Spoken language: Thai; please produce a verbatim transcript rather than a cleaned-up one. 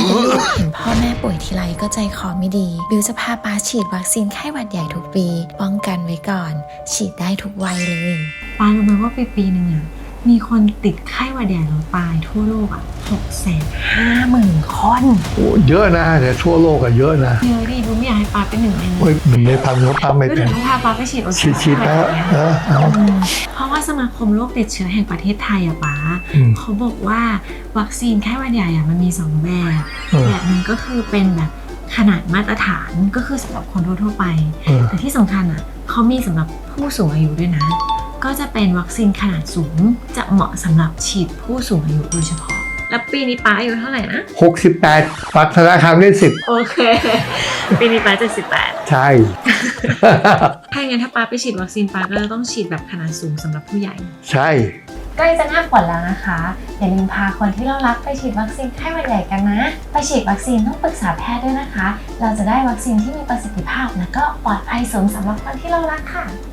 เห็นพ่อแม่ป่วยทีไรก็ใจคอไม่ดีบิวจะพาป้าฉีดวัคซีนไข้หวัดใหญ่ทุกปีป้องกันไว้ก่อนฉีดได้ทุกวัยเลยป้ารู้ไหมว่าปีปีหนึ่งอ่ะมีคนติดไข้หวัดใหญ่แล้วตายทั่วโลกอ่ะหกแสนห้าหมื่นคนโอ้เยอะนะแต่ทั่วโลกอะเยอะนะเยอะดิบิวไม่อยากให้ป้าเป็นหนึ่งในนั้นโอ้ยหนึ่งในพันเขาป้าไม่เป็นก็ถึงพาป้าไปฉีดวัคซีนฉีดแล้วเออเอาเพราะว่าสมาคมโรคติดเชื้อแห่งประเทศไทยอะป้าเขาบอกว่าวัคซีนไข้หวัดใหญ่อะมันมีสองแบบแบบนึงก็คือเป็นแบบขนาดมาตรฐานก็คือสำหรับคนทั่วๆไปแต่ที่สำคัญอ่ะเขามีสำหรับผู้สูงอายุด้วยนะก็จะเป็นวัคซีนขนาดสูงจะเหมาะสำหรับฉีดผู้สูงอายุโดยเฉพาะแล้วปีนี้ป้าอายุเท่าไหร่นะหกสิบแปดปักธนาคารได้สิบโอเคปีนี้ป้าเจ็ดสิบแปดใช่ถ้าอย่างนั้นถ้าป้าไปฉีดวัคซีนป้าก็จะต้องฉีดแบบขนาดสูงสำหรับผู้ใหญ่ใช่ใกล้จะหน้าฝนแล้วนะคะอย่าลืมพาคนที่เรารักไปฉีดวัคซีนไข้หวัดใหญ่กันนะไปฉีดวัคซีนต้องปรึกษาแพทย์ด้วยนะคะเราจะได้วัคซีนที่มีประสิทธิภาพและก็ปลอดภัยสูงสำหรับคนที่เรารักค่ะ